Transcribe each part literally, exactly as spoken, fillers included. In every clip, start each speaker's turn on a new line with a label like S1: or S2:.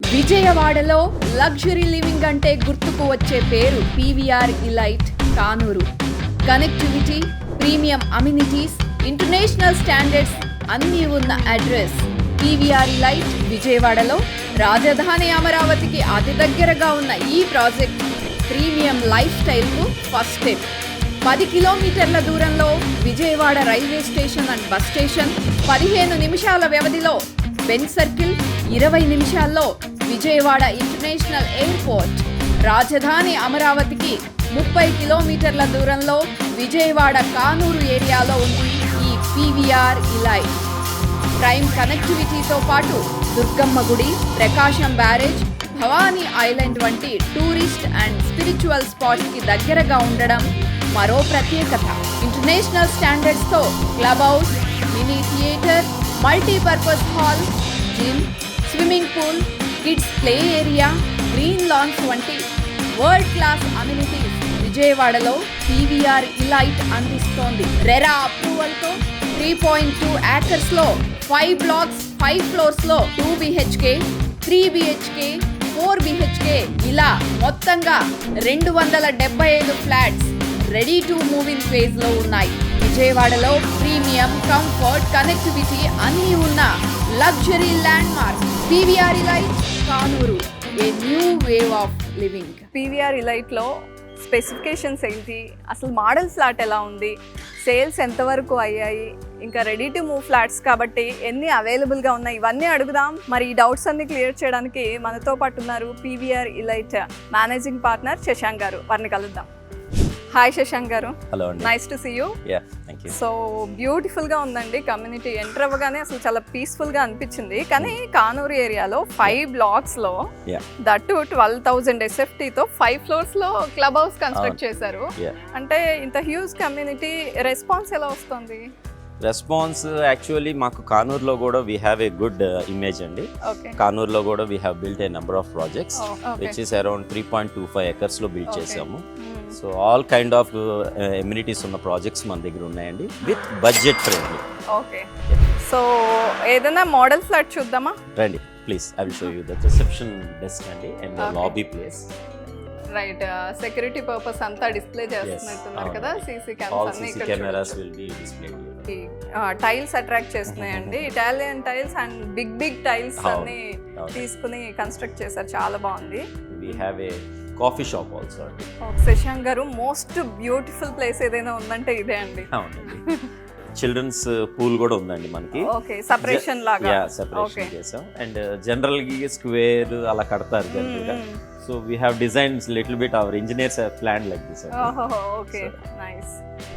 S1: విజయవాడలో luxury living అంటే గుర్తుకు వచ్చే పేరు PVR Elite Kanuru. Connectivity, premium amenities, international standards అన్నీ ఉన్న అడ్రస్ పీవీఆర్ ఇలైట్ విజయవాడలో. రాజధాని అమరావతికి అతి దగ్గరగా ఉన్న ఈ ప్రాజెక్ట్ ప్రీమియం లైఫ్ స్టైల్కు ఫస్ట్ స్టెప్. పది కిలోమీటర్ల దూరంలో Vijayawada railway station and bus station, పదిహేను నిమిషాల వ్యవధిలో బెంజ్ సర్కిల్, ఇరవై నిమిషాల్లో విజయవాడ ఇంటర్నేషనల్ ఎయిర్పోర్ట్. రాజధాని అమరావతికి ముప్పై కిలోమీటర్ల దూరంలో విజయవాడ కానూరు ఏరియాలో ఉంది ఈ పీవీఆర్ ఇలైట్. ప్రైమ్ కనెక్టివిటీతో పాటు దుర్గమ్మ గుడి, ప్రకాశం బ్యారేజ్, భవానీ ఐలాండ్ వంటి టూరిస్ట్ అండ్ స్పిరిచువల్ స్పాట్స్కి దగ్గరగా ఉండడం మరో ప్రత్యేకత. ఇంటర్నేషనల్ స్టాండర్డ్స్తో club house, mini theatre, multipurpose hall, gym, swimming pool, kids play area, green lawns వంటి వరల్డ్ క్లాస్ అమ్యూనిటీస్ విజయవాడలో పీవీఆర్ ఇలైట్ అందిస్తోంది. రెరా అప్రూవల్తో త్రీ పాయింట్ టూ ఏకర్స్లో ఫైవ్ బ్లాక్స్, ఫైవ్ ఫ్లోర్స్లో two BHK, three BHK, four BHK ఇలా మొత్తంగా రెండు వందల డెబ్బై ఐదు flats ready to move in phase లో ఉన్నాయి. విజయవాడలో ప్రీమియం, కంఫర్ట్, కనెక్టివిటీ అన్నీ ఉన్న luxury landmark PVR Elite Kanuru. A new wave of living.
S2: పీవీఆర్ ఇలైట్లో స్పెసిఫికేషన్స్ ఏంటి, అసలు మోడల్ ఫ్లాట్ ఎలా ఉంది, సేల్స్ ఎంతవరకు అయ్యాయి, ఇంకా రెడీ టు మూవ్ ఫ్లాట్స్ కాబట్టి ఎన్ని అవైలబుల్గా ఉన్నాయి, ఇవన్నీ అడుగుదాం. మరి ఈ డౌట్స్ అన్ని క్లియర్ చేయడానికి మనతో పాటు ఉన్నారు పీవీఆర్ ఇలైట్ మేనేజింగ్ పార్ట్నర్ శశాంక్ గారు. వారిని కలుద్దాం. Hi Shashank garu.
S3: Hello,
S2: nice to see you. So బ్యూటిఫుల్గా ఉందండి కమ్యూనిటీ. ఎంటర్ అవ్వగానే అసలు చాలా పీస్ఫుల్గా అనిపించింది. కానీ కానూరు ఏరియాలో ఫైవ్ బ్లాక్స్లో దట్టు ట్వెల్వ్ థౌజండ్ ఎస్ఎఫ్టీతో ఫైవ్ ఫ్లోర్స్లో క్లబ్ హౌస్ కన్స్ట్రక్ట్ చేశారు. అంటే ఇంత హ్యూజ్ కమ్యూనిటీ, రెస్పాన్స్ ఎలా వస్తుంది?
S3: రెస్పాన్స్ యాక్చువల్లీ మాకు కానూరులో కూడా we have a good image అండి. కానూరులో కూడా we have built a number of projects which is around three point two five ఎకర్స్లో బిల్డ్ చేసాము. So all kind of amenities ఉన్న ప్రాజెక్ట్స్ మన దగ్గర ఉన్నాయండి with budget friendly.
S2: Okay, so ఏదైనా మోడల్ ఫ్లాట్ చూద్దామా?
S3: రండి please, I will show you the reception desk అండి and lobby place.
S2: Right, security purpose అంతా డిస్ప్లే చేస్తున్నట్టున్నారు కదా. CC
S3: cameras will be displayed.
S2: Tiles attract చేస్తున్నాయండి. Italian tiles and big big tiles అన్ని తీసుకుని కన్స్ట్రక్ట్ చేశారు. చాలా బాగుంది.
S3: We have a coffee shop also అండి.
S2: శశాంక్ గారు, మోస్ట్ బ్యూటిఫుల్ ప్లేస్ ఏదైనా ఉందంటే ఇదే అండి.
S3: అవునండి, చిల్డ్రన్స్ పూల్ కూడా ఉందండి మనకి.
S2: ఓకే, సెపరేషన్ లాగా.
S3: యా, సెపరేషన్ చేసాం. అండ్ జనరల్ గా స్క్వేర్ అలా కడతారు జనరల్గా. So we have designs little bit our engineers have planned like this.
S2: Okay, nice.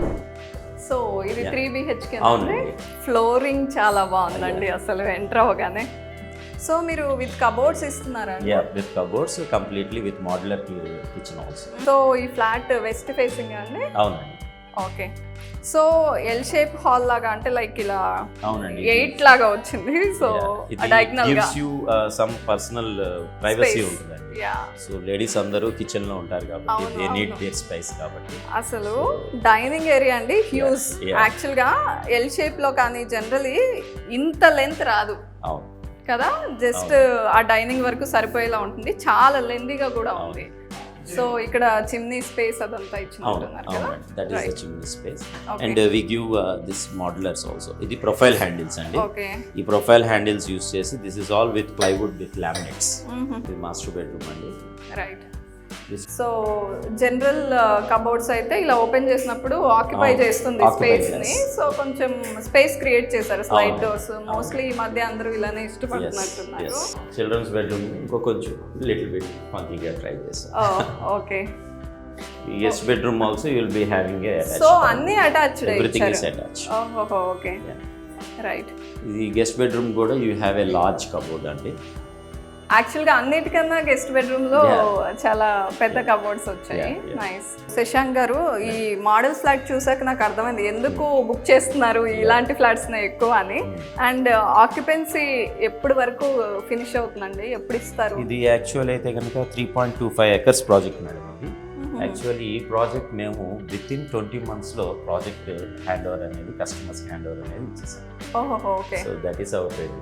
S2: So ఇది త్రీ బిహెచ్కే అండి. ఫ్లోరింగ్ చాలా బాగుందండి అసలు ఎంటర్ అవ్వగానే. సో మీరు విత్ కబోర్డ్స్ ఇస్తున్నారా?
S3: Yeah, with cupboards, completely with modular kitchen also.
S2: So ఈ flat west facing అండి?
S3: అవునండి.
S2: Okay, so L shape hall లాగా, అంటే లైక్ ఇలా
S3: అవునండి
S2: ఎయిట్ లాగా వచ్చింది. సో డయాగ్నల్ గా
S3: gives you some personal privacy ఉంటుందండి. సో లేడీస్ అందరూ కిచెన్ లో ఉంటారు కాబట్టి దే నీడ్ దేర్ స్పేస్ కాబట్టి.
S2: అసలు డైనింగ్ ఏరియా అండి హ్యూజ్. యాక్చువల్ గా ఎల్ షేప్ లో కానీ జనరలీ ఇంత లెంత్ రాదు కదా, జస్ట్ ఆ డైనింగ్ వరకు సరిపోయేలా ఉంటుంది. చాలా లెందీగా కూడా ఉంది. సో ఇక్కడ చిమ్నీ స్పేస్ అదంతా ఇచ్చినట్టున్నారు కదా.
S3: That is the chimney space. And we give this modulars also. ఇది ప్రొఫైల్ హ్యాండిల్స్ అండి. ఈ ప్రొఫైల్ హ్యాండిల్స్ యూస్ చేసి this is all with plywood with laminates. ఇది మాస్టర్ బెడ్రూమ్ అండి.
S2: రైట్. సో జనరల్ కబోర్డ్స్ అయితే ఇలా ఓపెన్ చేసినప్పుడు ఆక్యుపై చేస్తుంది స్పేస్ ని. సో కొంచెం స్పేస్ క్రియేట్ చేశారు. స్లైడ్ డోర్స్ మోస్ట్లీ ఈ మధ్య అందరూ ఇలానే ఇష్టపడుతున్నట్టున్నారు.
S3: చిల్డ్రన్స్ బెడ్రూమ్ ఇంకో కొంచెం లిటిల్ బిట్ ఫంకీగా ట్రై చేశారు.
S2: Okay,
S3: guest bedroom also you will be having a attached.
S2: So అన్ని అటాచ్డ్,
S3: ఎవ్రీథింగ్ ఇస్ అటాచ్డ్.
S2: ఓహో, ఓకే, రైట్.
S3: ఇది గెస్ట్ బెడ్రూమ్ కూడా you have a large cupboard అండి.
S2: యాక్చువల్గా అన్నిటికన్నా గెస్ట్ బెడ్రూమ్ లో చాలా పెద్ద కబోర్డ్స్ వచ్చాయి. నైస్. శశాంక్ గారు, ఈ మోడల్ ఫ్లాట్ చూసాక నాకు అర్థమైంది ఎందుకు బుక్ చేస్తున్నారు ఇలాంటి ఫ్లాట్స్ ఎక్కువ అని. అండ్ ఆక్యుపెన్సీ ఎప్పటి వరకు ఫినిష్ అవుతుందండి, ఎప్పుడు ఇస్తారు?
S3: ఇది యాక్చువల్ అయితే కనుక three point two five acres project madam. ఇది యాక్చువల్లీ ఈ ప్రాజెక్ట్ మేము విత్ ఇన్ ట్వంటీ మంత్స్లో ప్రాజెక్ట్ హ్యాండ్ ఓవర్ అనేది కస్టమర్స్ హ్యాండ్ ఓవర్ అనేది ఇచ్చేసాం.
S2: ఓహో, okay.
S3: So that is our credibility.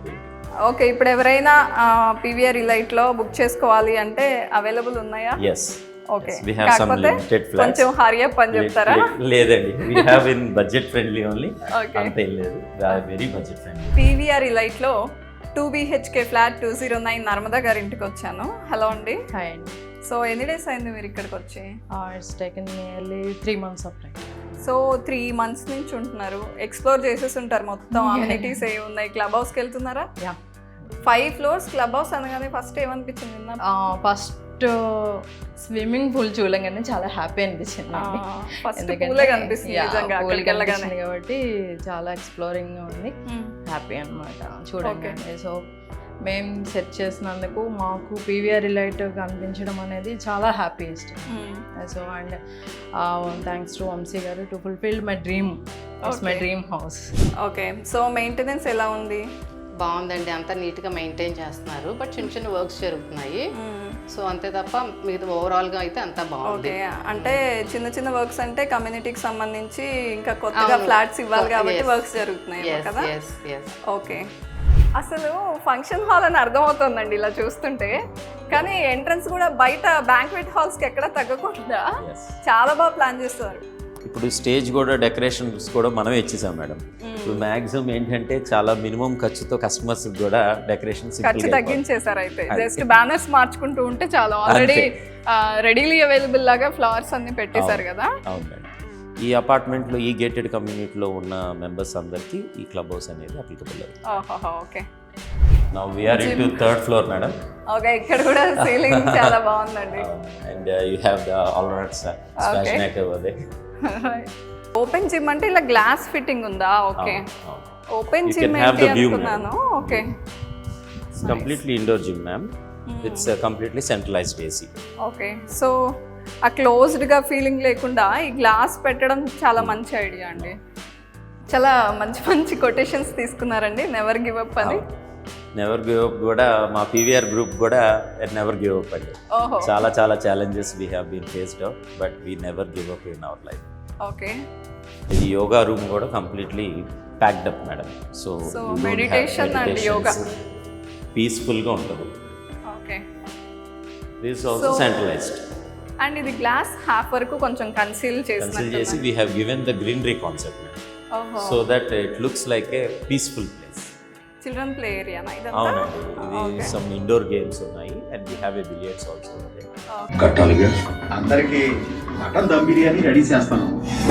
S2: Okay, ఇప్పుడు ఎవరైనా పీవీఆర్ ఇలైట్లో బుక్ చేసుకోవాలి అంటే అవైలబుల్ ఉన్నాయా?
S3: Yes,
S2: okay,
S3: we have some
S2: కాకపోతే
S3: limited flats.
S2: కొంచెం హరీ అప్ అని చెప్తారా?
S3: లేదండి, we have in budget friendly only.
S2: Okay.
S3: అంత ఏం లేదు, we are very budget friendly.
S2: PVR ఇలైట్లో two BHK flat two zero nine Narmada garu ఇంటికి వచ్చాను. హలో అండి.
S4: హాయ్ అండి.
S2: సో ఎన్ని డేస్ అయింది మీరు ఇక్కడికి వచ్చి?
S4: It's taken nearly three months of time.
S2: So three months నుంచి ఉంటున్నారు, ఎక్స్ప్లోర్ చేసేసి ఉంటారు మొత్తం. అమ్యూనిటీస్ ఏ ఉన్నాయి? క్లబ్ హౌస్కి వెళ్తున్నారా?
S4: Yeah,
S2: five floors club house అనగానే ఫస్ట్ ఏమనిపించింది?
S4: ఫస్ట్ స్విమ్మింగ్ పూల్ చూడగానే చాలా హ్యాపీ అనిపించింది అండి.
S2: ఫస్ట్ పూలే కనిపిస్తుంది నిజంగా అక్కడికి వెళ్ళగానే.
S4: కాబట్టి చాలా ఎక్స్ప్లోరింగ్ ఉంది, హ్యాపీ అనమాట చూడగానే. సో మేము సెట్ చేసినందుకు మాకు పీవీఆర్ ఇలైట్ కనిపించడం అనేది చాలా హ్యాపీ ఇష్టం. So and thanks to Vamsi garu to fulfil my dream. It's my dream house.
S2: Okay, so maintenance ఎలా ఉంది?
S5: బాగుందండి, అంతా నీట్గా మెయింటైన్ చేస్తున్నారు, బట్ చిన్న చిన్న వర్క్స్ జరుగుతున్నాయి. సో అంతే తప్ప మిగతా ఓవరాల్గా అయితే అంతా బాగుంది.
S2: ఓకే, అంటే చిన్న చిన్న వర్క్స్ అంటే కమ్యూనిటీకి సంబంధించి ఇంకా కొత్తగా ఫ్లాట్స్ ఇవ్వాలి కాబట్టి వర్క్స్ జరుగుతున్నాయి కదా? ఓకే, అసలు ఫంక్షన్ హాల్ అని అర్థమవుతుందండి ఇలా చూస్తుంటే, కానీ ఎంట్రన్స్ కూడా బయట బ్యాంక్వెట్ హాల్స్కి ఎక్కడ తగ్గకుండా చాలా బాగా ప్లాన్ చేస్తారు.
S3: ఇప్పుడు స్టేజ్ కూడా డెకరేషన్స్ కూడా మనమే ఇచ్చేసాం మేడం. ఇప్పుడు మ్యాక్సిమం ఏంటంటే చాలా మినిమం ఖర్చుతో కస్టమర్స్ కూడా డెకరేషన్
S2: ఖర్చు తగ్గించేసారు. అయితే జస్ట్ బ్యానర్స్ మార్చుకుంటూ ఉంటే చాలా ఆల్రెడీ రెడీలీ అవైలబుల్ లాగా ఫ్లవర్స్ అన్ని పెట్టేశారు కదా.
S3: అవునండి, ఈ అపార్ట్మెంట్లో ఈ గేటెడ్ కమ్యూనిటీలో ఉన్న మెంబర్స్ అందరికీ ఈ క్లబ్ హౌస్ అనేది applicable.
S2: Okay,
S3: now we are in to third floor madam.
S2: Okay, ఇక్కడ కూడా సీలింగ్ చాలా బాగుందండి.
S3: And you have the all round space neck over there.
S2: Open gym అంటే ఇలా గ్లాస్ ఫిట్టింగ్ ఉందా? ఓకే, ఓపెన్ జిమ్ ఏంటి అనుకున్నాను. Okay,
S3: completely indoor gym ma'am. It's completely centralised AC.
S2: Okay, so ఆ క్లోజ్డ్గా ఫీలింగ్ లేకుండా ఈ గ్లాస్ పెట్టడం చాలా మంచి ఐడియా అండి. చాలా మంచి మంచి కొటేషన్స్ తీసుకున్నారండి. నెవర్ గివ్ అప్ అని.
S3: నెవర్ గివ్ అప్ కూడా మా పీవీఆర్ గ్రూప్ కూడా నెవర్ గివ్ అప్ అండి. చాలా చాలా challenges we have been faced out, but we never give up in our life.
S2: Okay,
S3: ఇది యోగా రూమ్ కూడా completely packed up madam. So
S2: meditation and yoga
S3: పీస్ఫుల్గా ఉంటుంది.
S2: Okay,
S3: this also centralised.
S2: And ఇది glass half వరకు కొంచెం conceal
S3: conceal చేసి we have given the greenery concept so that it looks like a peaceful place.
S2: Children play area ఇదంతా?
S3: అవునండి, ఇది some indoor games ఉన్నాయి and we have a billiards also.
S6: కట్టాలిగా అందరికి మటన్ దమ్ బిర్యానీ రెడీ చేస్తాను.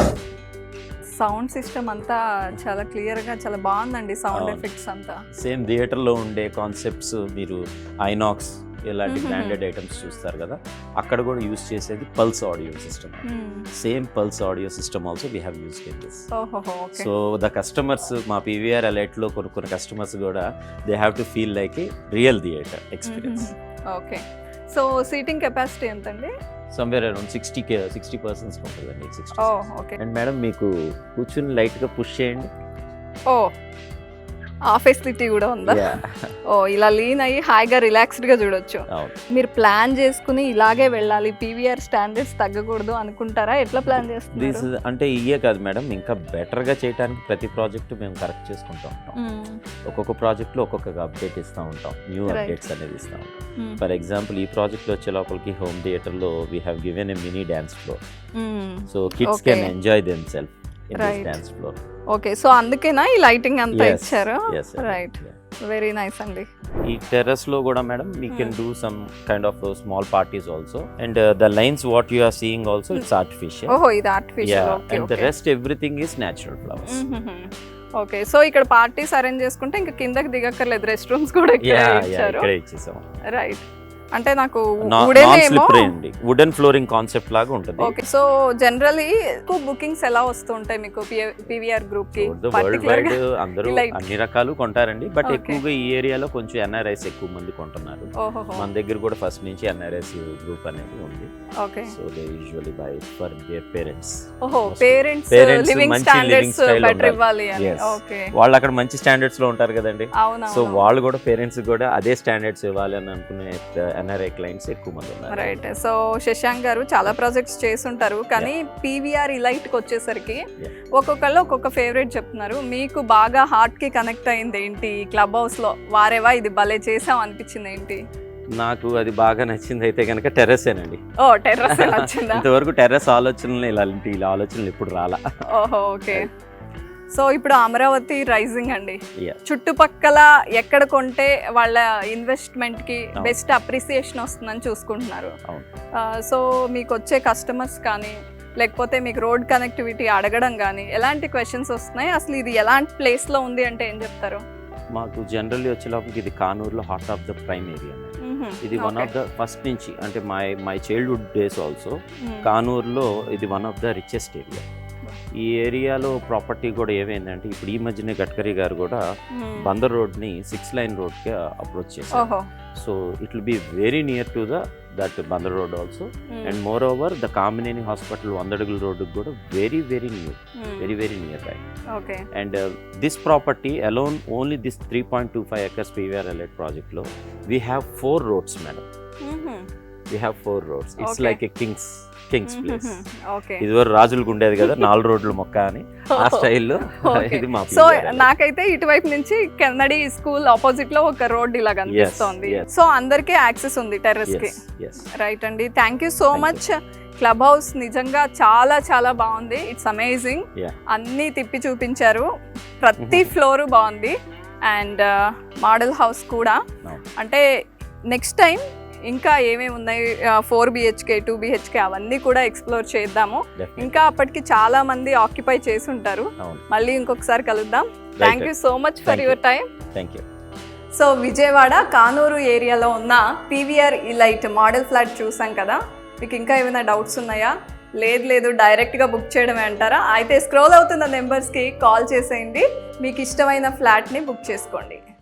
S2: సౌండ్ సిస్టమ్ అంతా చాలా క్లియర్గా చాలా బాగుందండి. సౌండ్ ఎఫెక్ట్స్ అంతా
S3: సేమ్ థియేటర్లో ఉండే కాన్సెప్ట్స్ మీరు ఐనాక్స్ ఇలాంటి బ్రాండెడ్ ఐటమ్స్ చూస్తారు కదా, అక్కడ కూడా యూస్ చేసేది pulse audio system. Same pulse audio system also we have used in this. So the customers మా పీవీఆర్ అలైట్లో కొనుక్కున్న కస్టమర్స్ కూడా they have to feel like a real theatre experience.
S2: Okay, so seating capacity ఎంతండి?
S3: Somewhere around sixty K sixty percents ఉంటుందండి. Sixty.
S2: Okay,
S3: and madam మీకు కూర్చుని లైట్గా push చేయండి.
S2: ఓ, ఆ ఫెసిలిటీ కూడా ఉందా? ఓ, ఇలా లీన్ అయ్యి హాయిగా రిలాక్స్డ్గా చూడొచ్చు. మీరు ప్లాన్ చేసుకుని ఇలాగే వెళ్ళాలి, పీవీఆర్ స్టాండర్డ్స్ తగ్గకూడదు అనుకుంటారా? ఎట్లా ప్లాన్ చేస్తున్నారు?
S3: అంటే ఇయే కాదు మేడం, ఇంకా బెటర్గా చేయడానికి ప్రతి ప్రాజెక్ట్ మేము కరెక్ట్ చేసుకుంటూ ఉంటాం. ఒక్కొక్క ప్రాజెక్ట్లో ఒక్కొక్క అప్డేట్ ఇస్తూ ఉంటాం, న్యూ అప్డేట్స్ అనేది ఇస్తూ ఉంటాం. ఫర్ ఎగ్జాంపుల్ ఈ ప్రాజెక్ట్లో వచ్చే లోపలికి హోమ్ థియేటర్లో we have given a mini dance floor. So kids can enjoy them self in this dance floor.
S2: Okay, so అందుకేనా ఈ లైటింగ్ అంతా ఇచ్చారు? రైట్, వెరీ నైస్ అండి.
S3: ఈ టెర్రస్ లో కూడా madam we can do some kind of small parties also and the lines what you are seeing also it's artificial.
S2: ఓహో, ఇది artificial. Okay,
S3: and the rest everything is natural flowers.
S2: Okay, so ఇక్కడ parties arrange చేసుకుంటే ఇంకా కిందకి దిగక్కర్లేదు, rest rooms కూడా ఇక్కడే
S3: ఇచ్చేసాం.
S2: Right, అంటే నాకు
S3: వుడెన్ ఫ్లోరింగ్ కాన్సెప్ట్ లాగా ఉంటుంది.
S2: ఓకే, సో జనరల్లీ ఎక్కువ బుకింగ్స్ ఎలా వస్తుంటాయి మీకు పీవీఆర్ గ్రూప్ కి?
S3: వరల్డ్ వైడ్ అందరూ అన్ని రకాలు కొంటారండి, బట్ ఎక్కువగా ఈ ఏరియాలో కొంచెం ఎన్ఆర్ఐస్ ఎక్కువ మంది కొంటున్నారు. మన దగ్గర కూడా ఫస్ట్ నుంచి ఎన్ఆర్ఐస్ గ్రూప్ అనేది ఉంది.
S2: Okay,
S3: so they usually buy for their parents.
S2: ఓహో, పేరెంట్స్ లివింగ్ స్టాండర్డ్స్ బెటర్ ఇవ్వాలి అని. ఓకే,
S3: వాళ్ళు అక్కడ మంచి స్టాండర్డ్స్ లో ఉంటారు కదండి.
S2: అవునా?
S3: సో వాళ్ళు కూడా పేరెంట్స్ కూడా అదే స్టాండర్డ్స్ ఇవ్వాలి అని అనుకునే ఎన్ఆర్ఐ క్లయింట్స్ ఎక్కువ మంది ఉన్నారు.
S2: రైట్. సో శశాంక్ గారు చాలా ప్రాజెక్ట్స్ చేస్తుంటారు, కానీ పీవీఆర్ ఇలైట్కి వచ్చేసరికి ఒక్కొక్కళ్ళు ఒక్కొక్క ఫేవరెట్ చెప్తున్నారు. మీకు బాగా హార్ట్కి కనెక్ట్ అయింది ఏంటి క్లబ్ హౌస్లో? వారేవా ఇది భలే చేసాం అనిపించింది ఏంటి?
S3: నాకు అది బాగా నచ్చింది అయితే కనుక టెర్రసేనండి.
S2: ఓ టెర్రస్ నచ్చిందా?
S3: ఇంతవరకు టెర్రస్ ఆలోచనలు ఇలాంటి ఇలా ఆలోచనలు ఎప్పుడు రాలా.
S2: ఓహో ఓకే. సో ఇప్పుడు అమరావతి రైజింగ్ అండి,
S3: Yeah.
S2: చుట్టుపక్కల ఎక్కడ కొంటే వాళ్ళ ఇన్వెస్ట్మెంట్కి బెస్ట్ అప్రిసియేషన్ వస్తుందని చూసుకుంటున్నారు.
S3: అవును.
S2: సో మీకు వచ్చే కస్టమర్స్ కానీ లేకపోతే మీకు రోడ్ కనెక్టివిటీ అడగడం కానీ ఎలాంటి క్వశ్చన్స్ వస్తున్నాయి? అసలు ఇది ఎలాంటి ప్లేస్లో ఉంది అంటే ఏం చెప్తారు?
S3: మాకు జనరల్లీ వచ్చేలోపలికి ఇది కానూరులో heart of the prime area. ఇది వన్ ఆఫ్ ద ఫస్ట్ నుంచి అంటే my my childhood days also కానూరులో ఇది one of the richest area. ఈ ఏరియాలో ప్రాపర్టీ కూడా ఏమైందంటే ఇప్పుడు ఈ మధ్యనే గడ్కరీ గారు కూడా బందర్ రోడ్ని సిక్స్ లైన్ రోడ్కి అప్రోచ్ చేశారు. So it will be very near to the that Bandar road also, and more over the Kamineni hospital వందడుగుల రోడ్డుకి కూడా very very near, very very near by. And this property alone only this three point two five acres PVR elite ప్రాజెక్ట్లో we have four roads madam. We have four roads. It's like a king's king's place. ఇదివరకు రాజులకు ఉండేది కదా నాలుగు రోడ్లు మొక్క అని, ఆ స్టైల్లో ఇది మా.
S2: సో నాకైతే ఇటువైపు నుంచి కెన్నడి స్కూల్ ఆపోజిట్ లో ఒక రోడ్ ఇలా కనిపిస్తోంది. సో అందరికీ యాక్సెస్ ఉంది టెర్రస్ కి. రైట్ అండి, thank you so much. Club house నిజంగా చాలా చాలా బాగుంది. It's amazing. అన్నీ తిప్పి చూపించారు, ప్రతి ఫ్లోర్ బాగుంది. అండ్ మోడల్ హౌస్ కూడా. అంటే నెక్స్ట్ టైం ఇంకా ఏమేమి ఉన్నాయి, ఫోర్ బిహెచ్కే టూ బిహెచ్కే అవన్నీ కూడా ఎక్స్ప్లోర్ చేద్దాము. ఇంకా అప్పటికి చాలా మంది ఆక్యుపై చేసి ఉంటారు. మళ్ళీ ఇంకొకసారి కలుద్దాం. Thank you so much for your time.
S3: Thank you.
S2: So Vijayawada Kanuru ఏరియాలో ఉన్న పీవీఆర్ ఇలైట్ మోడల్ ఫ్లాట్ చూసాం కదా. మీకు ఇంకా ఏమైనా డౌట్స్ ఉన్నాయా? లేదు లేదు డైరెక్ట్గా బుక్ చేయడమే అంటారా? అయితే స్క్రోల్ అవుతున్న నెంబర్స్కి కాల్ చేసేయండి, మీకు ఇష్టమైన ఫ్లాట్ని బుక్ చేసుకోండి.